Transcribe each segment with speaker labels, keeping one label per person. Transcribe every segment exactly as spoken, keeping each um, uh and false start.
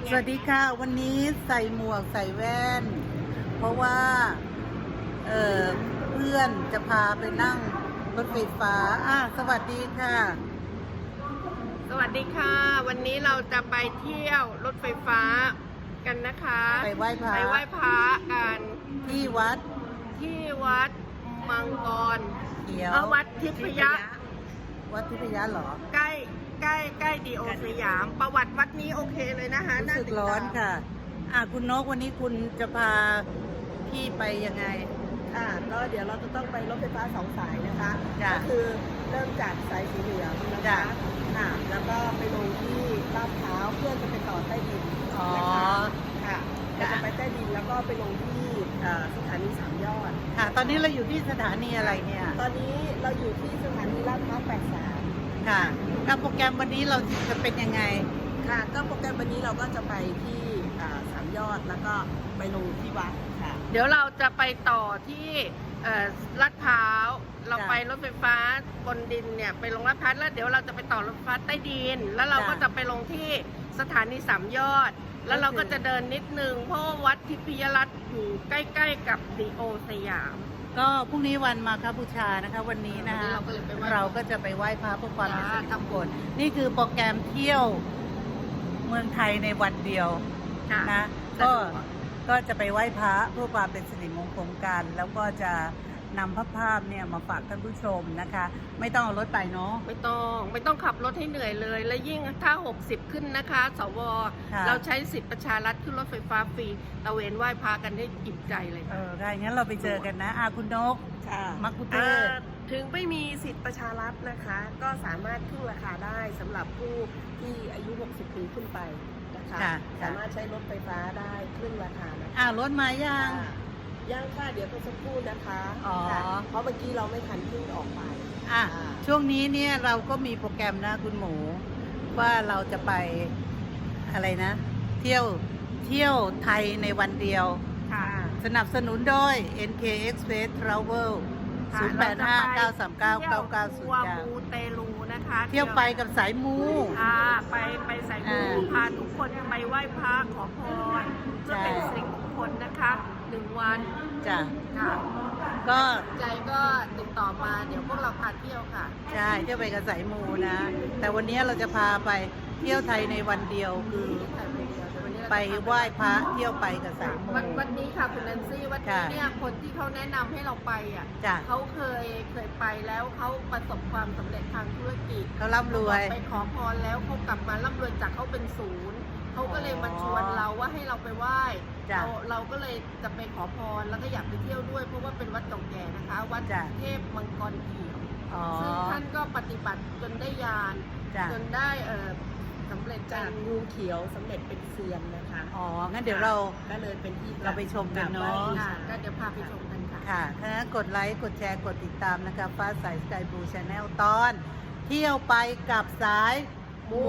Speaker 1: สวัสดีค่ะวันนี้ใส่หมวกใส่แว่นเพราะว่าเออเพื่อนจะพาไปนั่งรถไฟฟ้าอ่ะสวัสดีค่ะ
Speaker 2: สวัสดีค่ะวันนี้เราจะไปเที่ยวรถไฟฟ้ากันนะคะ
Speaker 1: ไปไหว้พระ
Speaker 2: ไปไหว้พระกัน
Speaker 1: ที่วัด
Speaker 2: ที่วัดมังกร
Speaker 1: เขียว
Speaker 2: วัดทิพยะ
Speaker 1: วัดทิพยะเหรอ
Speaker 2: ใกล้ใกล้ใกล้ดีโอสยามประวัติวัดนี้โอเคเลยนะคะ
Speaker 1: รู้สึกร้อนค่ะอ่ะคุณนกวันนี้คุณจะพาพี่ไปยังไง
Speaker 3: ค่ะก็เดี๋ยวเราจะต้องไปรถไฟฟ้าสองสายนะคะก็คือเริ่มจากสายสีเหลืองนะคะค่ะแล้วก็ไปลงที่ลาดพร้าวเพื่อจะไปต่อใต้ดินนะคะค่ะจะไปใต้ดินแล้วก็ไปลงที่สถานีสามยอด
Speaker 1: ค่ะตอนนี้เราอยู่ที่สถานีอะไรเนี่ย
Speaker 3: ตอนนี้เราอยู่ที่สถานีลาดพร้าวแปดสิบสาม
Speaker 1: ค่ะแล้วโปรแกรมวันนี้เราจะเป็นยังไง
Speaker 3: ค่ะก็โปรแกรมวันนี้เราก็จะไปที่สามยอดแล้วก็ไปลงที่วัดค่ะ
Speaker 2: เดี๋ยวเราจะไปต่อที่ลาดพร้าวเราไปรถไฟฟ้าบนดินเนี่ยไปลงลาดพร้าวแล้วเดี๋ยวเราจะไปต่อรถไฟฟ้าใต้ดินแล้วเราก็จะไปลงที่สถานีสามยอดแล้วเราก็จะเดินนิดนึงเพราะวัดทิพยรัตน์อยู่ใกล้ๆกับดีโอสยาม
Speaker 1: ก็พรุ่งนี้วันมาฆบูชานะคะวันนี้นะคะเราก็จะไปไหว้พระเพื่อความเป็นสิริมงคลนี่คือโปรแกรมเที่ยวเมืองไทยในวันเดียวนะก็ก็จะไปไหว้พระเพื่อความเป็นสิริมงคลกันแล้วก็จะนำภาพภาพเนี่ยมาฝากท่านผู้ชมนะคะไม่ต้องเอารถไปเนาะ
Speaker 2: ไม่ต้องไม่ต้องขับรถให้เหนื่อยเลยและยิ่งถ้าหกสิบขึ้นนะคะสวเราใช้สิทธิประชารัฐขึ้นรถไฟฟ้าฟรีตะเวนไหว้พระกันได้อิ่มใจเลย
Speaker 1: เออได้งั้นเราไปเจอกันนะอาคุณนกมักคุเตอร์
Speaker 3: ถึงไม่มีสิทธิประชารัฐนะคะก็สามารถขึ้นราคาได้สำหรับผู้ที่อายุหกสิบปีขึ้นไปนะคะสามารถใช้รถไฟฟ้าได้ครึ่งราคานะคะ
Speaker 1: อ่ารถมายัง
Speaker 3: ย่างค่ะเดี๋ยวก็สักครู่นะคะเพราะเมื่อกี้เราไม่ทันขึ้นออกไป
Speaker 1: อ่ะช่วงนี้เนี่ยเราก็มีโปรแกรมนะคุณหมูว่าเราจะไปอะไรนะเที่ยวเที่ยวไทยในวันเดียวสนับสนุนโดย เอ็น เค Express Travel ศูนย์ แปด ห้า เก้า สาม เก้า เก้า เก้า ศูนย์ เก้า
Speaker 2: มูเตลูนะคะ
Speaker 1: เที่ยวไปกับสายมู
Speaker 2: ค่ะไปไปสายมูพาทุกคนไปไหว้พระขอพรเพื่อเป็นสิริมงคลนะคะหนึ่งวัน
Speaker 1: จ้ะ
Speaker 2: ค่ะ
Speaker 1: ก็
Speaker 2: ใจก็ติดต่อมาเดี๋ยวพวกเราพาเที่ยวค่ะ
Speaker 1: ใช่เที่ยวไปกับสายมูนะแต่วันนี้เราจะพาไปเที่ยวไทยในวันเดียวคือไปไหว้พระเที่ยวไปกับสายมู
Speaker 2: วันวันนี้ค่ะคุณแนนซี่วันนี้เนี่ยคนที่เขาแนะนำให้เราไปอ่ะเขาเคยเคยไปแล้วเขาประสบความสำเร็จทางธุรกิจ
Speaker 1: เขาร่ำรวย
Speaker 2: ไปขอพรแล้วเขากลับมาร่ำรวยจากเขาเป็นศูนย์เขาก็เลยมาชวนเราว่าให้เราไปไหว้เราเราก็เลยจะไปขอพรแล้วก็อยากไปเที่ยวด้วยเพราะว่าเป็นวัดเก่าแก่นะคะวัดเทพมังกรเขียวซึ่งท่านก็ปฏิบัติจนได้ญาณจนได้เออสำเร็จ
Speaker 3: จากงูเขียวสำเร็จเป็นเซียนนะคะ
Speaker 1: อ๋องั้นเดี๋ยวเรา
Speaker 3: ก็เลยเป็นที่
Speaker 1: เราไปชมกันเนาะ
Speaker 2: ก็เดี๋ยวพาไปชมกันค่ะ
Speaker 1: ค่ะถ้างั้นกดไลค์กดแชร์กดติดตามนะคะฟ้าใสสกายบลูชาแนลตอนเที่ยวไปกับสายมู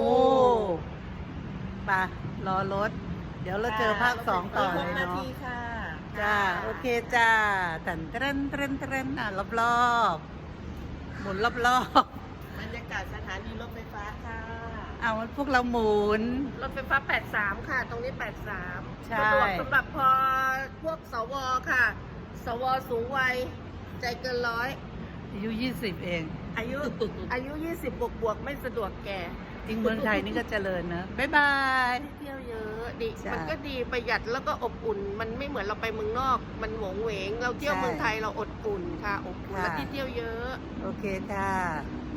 Speaker 1: ป่ะรอรถเดี๋ยวเราเจอภาคสองต่อเลยเนาะจ้าโอเคจ้าตันเทรนเทรนเทรนอ่ะรอบรอบหมุนรอบรอ
Speaker 3: บบรรยากาศสถานีรถไฟฟ้าค่ะ
Speaker 1: เอาพวกเราหมุน
Speaker 2: รถไฟฟ้าแปดสิบสามค่ะตรงนี้แปดสิบสาม
Speaker 1: ใช่
Speaker 2: สะดวกสำหรับพอพวกสวค่ะสวสูงวัยใจเกินร้อย
Speaker 1: อายุยี่สิบเอง
Speaker 2: อายุอายุยี่สิบบวกบวกไม่สะดวกแก่
Speaker 1: จริงเมืองไทยนี่ก็เจริญนะบ๊ายบาย
Speaker 2: เที่ยวเยอะดีมันก็ดีประหยัดแล้วก็อบอุ่นมันไม่เหมือนเราไปเมืองนอกมันหวงเหวงเราเที่ยวเมืองไทยเราอดอุ่นค่ะอบอุ่นและที่เที่ยวเยอะ
Speaker 1: โอเคค่ะ